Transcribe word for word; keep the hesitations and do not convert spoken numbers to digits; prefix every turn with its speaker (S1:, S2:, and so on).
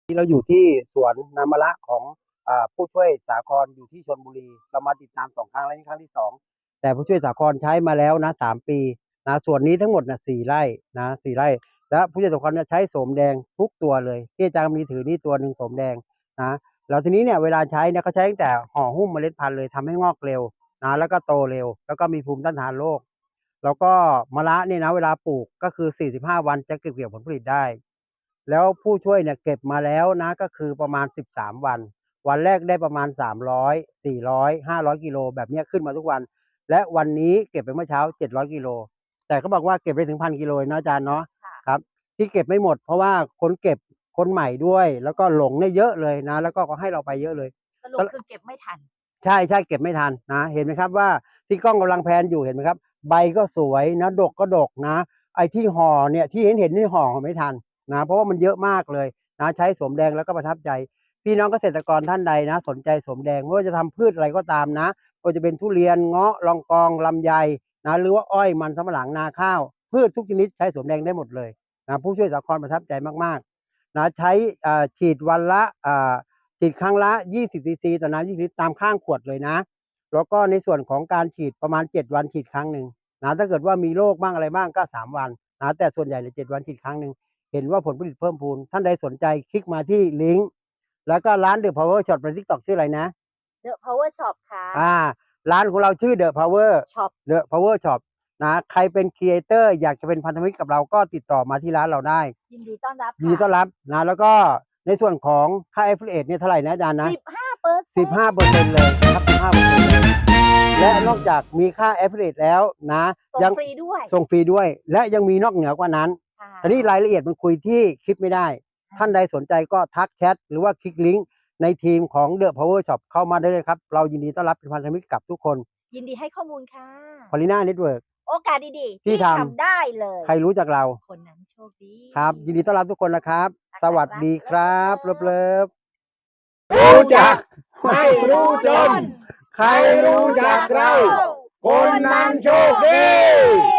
S1: ที่เราอยู่ที่สวนน้ำมะระของอ่าผู้ช่วยสาครอยู่ที่ชลบุรีเรามาติดตามสองครั้งแล้วนี่ครั้งที่สองแต่ผู้ช่วยสาครใช้มาแล้วนะสามปีนะส่วนนี้ทั้งหมดนะสี่ไร่นะสี่ไร่และผู้ช่วยสาครเนี่ยใช้โสมแดงทุกตัวเลยที่อาจารย์มีถือนี่ตัวหนึ่งโสมแดงนะแล้วทีนี้เนี่ยเวลาใช้เนี่ยเขาใช้ตั้งแต่ห่อหุ้มเมล็ดพันธุ์เลยทำให้งอกเร็วนะแล้วก็โตเร็วแล้วก็มีภูมิต้านทานโรคแล้วก็มะระเนี่ยนะเวลาปลูกก็คือสี่สิบห้าวันจะเก็บเกี่ยวผลผลิตได้แล้วผู้ช่วยเนี่ยเก็บมาแล้วนะก็คือประมาณสิบสามวันวันแรกได้ประมาณสามร้อย สี่ร้อย ห้าร้อยกิโลแบบนี้ขึ้นมาทุกวันและวันนี้เก็บไปเมื่อเช้าเจ็ดร้อยกิโลแต่เขาบอกว่าเก็บไปถึงพันกิโลนะอาจารย์เนาะครับที่เก็บไม่หมดเพราะว่าคนเก็บคนใหม่ด้วยแล้วก็หลงเนี่ยเยอะเลยนะแล้วก็เขาให้เราไปเยอะเลย
S2: สรุปคือเก็บไม่ทัน
S1: ใช่ใช่เก็บไม่ทันนะเห็นไหมครับว่าที่กล้องกำลังแพนอยู่เห็นไหมครับใบก็สวยนะดกก็ดกนะไอ้ที่ห่อเนี่ยที่เห็นเห็นนี่ห่อไม่ทันนะเพราะว่ามันเยอะมากเลยนะใช้สมแดงแล้วก็ประทับใจพี่น้องเกษตรกรท่านใดนะสนใจสมแดงไม่ว่าจะทำพืชอะไรก็ตามนะก็จะเป็นทุเรียนเงาะลองกองลำไยนะหรือว่าอ้อยมันสำปะหลังนาข้าวพืชทุกชนิดใช้สมแดงได้หมดเลยนะผู้ช่วยสาครประทับใจมากๆนะใช้ฉีดวันละฉีดครั้งละยี่สิบซีซีต่อน้ำยี่สิบลิตรตามข้างขวดเลยนะแล้วก็ในส่วนของการฉีดประมาณเจ็ดวันฉีดครั้งหนึ่งนะถ้าเกิดว่ามีโรคบ้างอะไรบ้างก็สามวันนะแต่ส่วนใหญ่เลยเจ็ดวันฉีดครั้งหนึ่งเห็นว่าผลผลิตเพิ่มพูนท่านใดสนใจคลิกมาที่ลิงก์แล้วก็ร้าน The Power Shop ใน TikTok ชื่ออะไรนะ
S2: The Power Shop ค่ะ
S1: อ่าร้านของเราชื่อ The Power
S2: Shop
S1: The Power Shop นะใครเป็นครีเอเตอร์อยากจะเป็นพันธมิตรกับเราก็ติดต่อมาที่ร้านเราได้
S2: ยินดีต้อนรับ
S1: ยินดีต้อนรับนะแล้วก็ในส่วนของค่า Affiliate เนี่ยเท่าไหร่นะอาจารย์นะ
S2: สิบห้าเปอร์เซ็นต์
S1: สิบห้าเปอร์เซ็นต์เลยนะครับสิบห้าเปอร์เซ็นต์เลยและนอกจากมีค่า Affiliate แล้วนะ
S2: ส่งฟรีด้วย
S1: ส่งฟรีด้วยและยังมีนอกเหนือกว่านั้นแต่นี่รายละเอียดมันคุยที่คลิปไม่ได้ท่านใดสนใจก็ทักแชทหรือว่าคลิกลิงก์ในทีมของ The Power Shop เข้ามาได้เลยครับเรายินดีต้อนรับเป็นพันธมิตรกับทุกคน
S2: ยินดีให้ข้อมูลค่ะ
S1: พอลิน่าเน็ตเวิร์ก
S2: โอกาสดีๆ
S1: ที่
S2: ที่
S1: ท
S2: ทำได้เลย
S1: ำใครรู้จักเรา
S2: คนนั้นโชคดี
S1: ครับยินดีต้อนรับทุกคนนะครับสวัสดีครับเลิฟๆ
S3: รู้จักไม่รู้จนใครรู้จักเราคนนั้นโชคดี